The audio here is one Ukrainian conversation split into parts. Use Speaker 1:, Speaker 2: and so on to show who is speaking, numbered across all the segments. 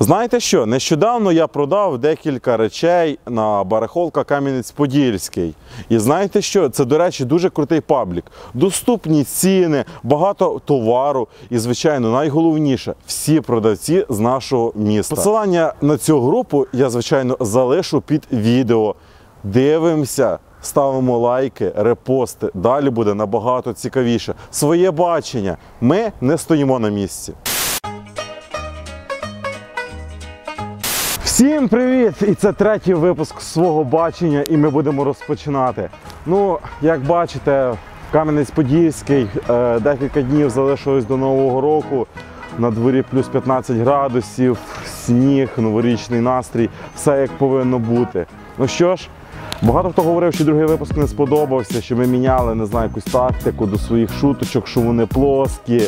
Speaker 1: Знаєте що, нещодавно я продав декілька речей на барахолка Кам'янець-Подільський. І знаєте що, це, до речі, дуже крутий паблік. Доступні ціни, багато товару і, звичайно, найголовніше – всі продавці з нашого міста. Посилання на цю групу я, звичайно, залишу під відео. Дивимося, ставимо лайки, репости. Далі буде набагато цікавіше. Своє бачення. Ми не стоїмо на місці. Всім привіт! І це третій випуск свого бачення, і ми будемо розпочинати. Ну, як бачите, Кам'янець-Подільський, декілька днів залишилось до Нового року. На дворі плюс 15 градусів, сніг, новорічний настрій, все як повинно бути. Ну що ж, багато хто говорив, що другий випуск не сподобався, що ми міняли, не знаю, якусь тактику до своїх шуточок, що вони плоскі.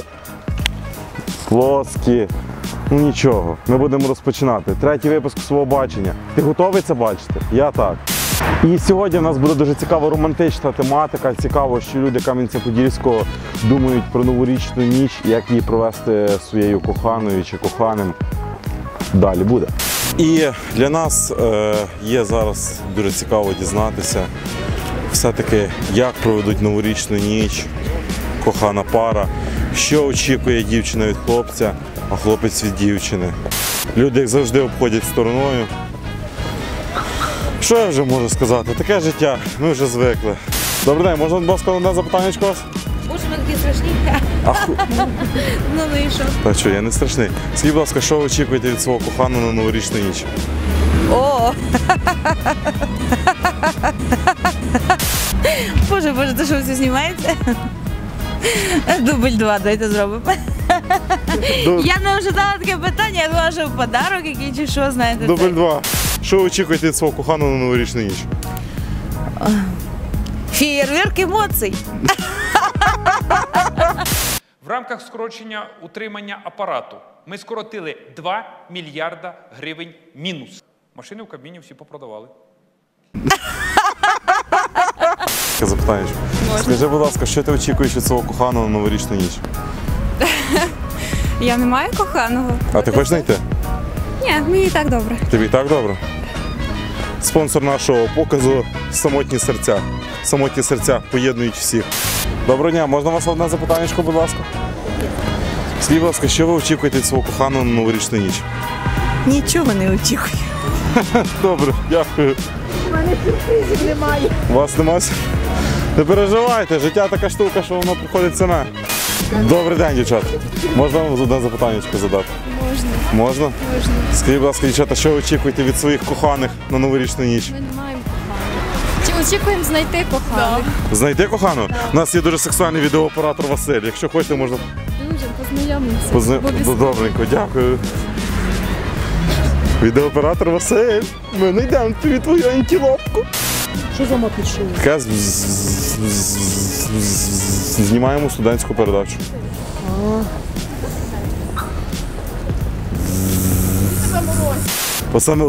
Speaker 1: Ну нічого, ми будемо розпочинати. Третій випуск свого бачення. Ти готовий це бачити? Я так. І сьогодні в нас буде дуже цікава романтична тематика. Цікаво, що люди Кам'янця-Подільського думають про новорічну ніч, як її провести своєю коханою чи коханим. Далі буде. І для нас є зараз дуже цікаво дізнатися, все-таки, як проведуть новорічну ніч кохана пара, що очікує дівчина від хлопця, а хлопець від дівчини. Люди, як завжди, обходять стороною. Що я вже можу сказати? Таке життя, ми вже звикли. Добрий день, можна, будь ласка, одне запитання у вас?
Speaker 2: Боже, ви такі страшні. Ну і що?
Speaker 1: Так що, я не страшний. Скажіть, будь ласка, що ви очікуєте від свого коханого на новорічну ніч?
Speaker 2: О! Боже, це що, все знімається? Дубль 2, давайте зробимо. Я не ожидала таке питання, я думала, що подарок який чи що, знаєте.
Speaker 1: Дубль 2. Що ви очікуєте від свого коханого на новорічну ніч?
Speaker 2: Феєрверк емоцій.
Speaker 3: В рамках скорочення утримання апарату ми скоротили 2 мільярда гривень мінус. Машини в Кабміні всі попродавали.
Speaker 1: Запитання. Скажи, будь ласка, що ти очікуєш від свого коханого на новорічну ніч?
Speaker 4: Я не маю коханого.
Speaker 1: А ти хочеш знайти?
Speaker 4: Ні, мені і так добре.
Speaker 1: Тобі і так добре? Спонсор нашого показу – Самотні серця. Самотні серця поєднують всіх. Доброго дня, можна вас одне запитання, будь ласка? Скажіть, будь ласка, що ви очікуєте від свого коханого на новорічну ніч?
Speaker 2: Нічого не очікую.
Speaker 1: Добре, дякую.
Speaker 2: У мене сюрпризів немає.
Speaker 1: У вас немає? Не переживайте, життя така штука, що воно приходить саме. Добрий день, дівчата. Можна вам одне запитання задати?
Speaker 4: Можна.
Speaker 1: Можна?
Speaker 4: Можна.
Speaker 1: Скажіть, будь ласка, дівчата, що ви очікуєте від своїх коханих на новорічну ніч?
Speaker 4: Ми не маємо коханих. Чи очікуємо знайти коханих?
Speaker 1: Знайти кохану? У нас є дуже сексуальний відеооператор Василь. Якщо хочете, можна...
Speaker 4: Дуже познайомимося.
Speaker 1: Добренько, дякую. Відеооператор Василь, ми знайдемо тобі твою антилопку.
Speaker 2: Що за мапішов?
Speaker 1: Знімаємо студентську передачу. Саме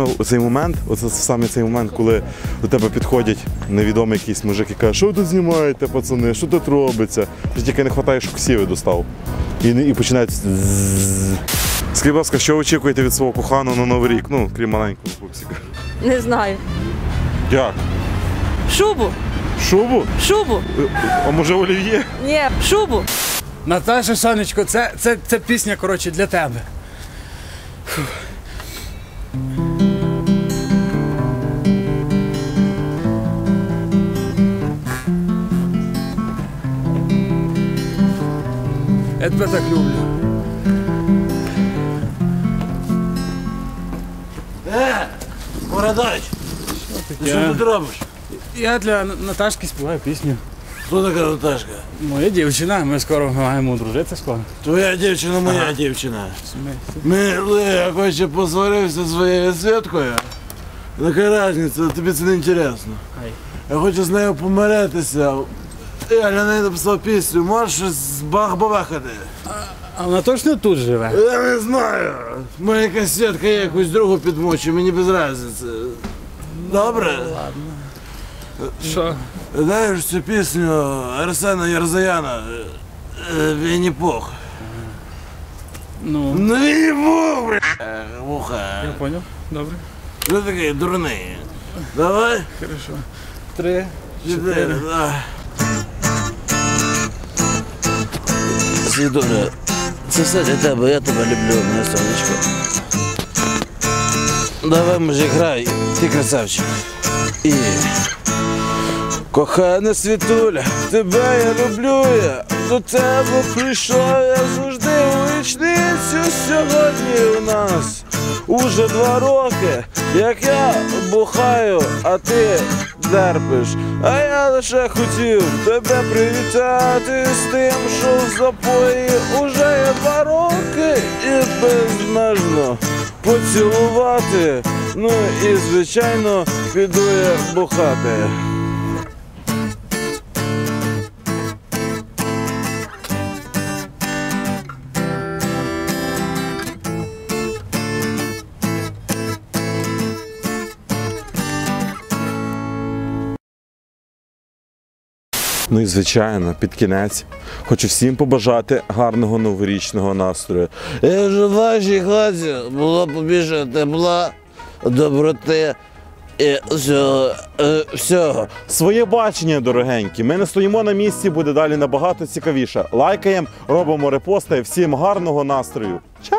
Speaker 1: цей момент, коли до тебе підходять невідомий якийсь мужик і каже, що ви тут знімаєте, пацани, що тут робиться? Тільки не вистачає, що ксіви достав. І починають... Скажіть, будь ласка, що ви очікуєте від свого коханого на Новий рік? Ну, крім маленького пупсика.
Speaker 2: Не знаю.
Speaker 1: Як?
Speaker 2: Шубу.
Speaker 1: Шубу?
Speaker 2: Шубу.
Speaker 1: А може олів'є?
Speaker 2: Ні, шубу.
Speaker 5: Наташа, сонечко, це пісня, коротше, для тебе. Фух. Я тебе так люблю.
Speaker 6: Бородач, ти що тут робиш?
Speaker 5: Я для Наташки співаю пісню.
Speaker 6: Хто така Наташка?
Speaker 5: Моя дівчина, ми скоро маємо одружитися скоро.
Speaker 6: Твоя дівчина, моя дівчина. Я хоче посварився зі своєю Світкою. Така різниця, тобі це не інтересно. Я хочу з нею помиритися. Я для неї написав пісню, можеш щось з бах-бабахати?
Speaker 5: А вона точно тут живе?
Speaker 6: Я не знаю. Моя якась Світка є, якусь другу підмочу, мені без різниці. Добре?
Speaker 5: Ладно. Що?
Speaker 6: Знаєш цю пісню Арсена Ярзаяна «Вінні-Пух»?
Speaker 5: Ну,
Speaker 6: Не їбу, бля. Вуха.
Speaker 5: я поняв. Добре.
Speaker 6: Ти такий дурний. Давай.
Speaker 5: Хорошо. 3,
Speaker 6: 4,
Speaker 5: 4.
Speaker 6: давай. Світуля, це все для тебе, я тебе люблю, моє сонечко. Давай, мужик, грай, ти красавчик. І... Кохана Світуля, тебе я люблю, я до тебе прийшов, я завжди у вічницю. Сьогодні у нас уже 2 роки, як я бухаю, а ти дерпиш. А я лише хотів тебе привітати з тим, що в запої уже є 2 роки, і безмежно поцілувати. Ну і звичайно піду я бухати.
Speaker 1: Ну і звичайно, під кінець хочу всім побажати гарного новорічного настрою.
Speaker 6: Я ж в вашій хаті було побільше тепла, доброти і всього.
Speaker 1: Своє бачення, дорогенькі. Ми не стоїмо на місці, буде далі набагато цікавіше. Лайкаємо, робимо репости. Всім гарного настрою. Чао!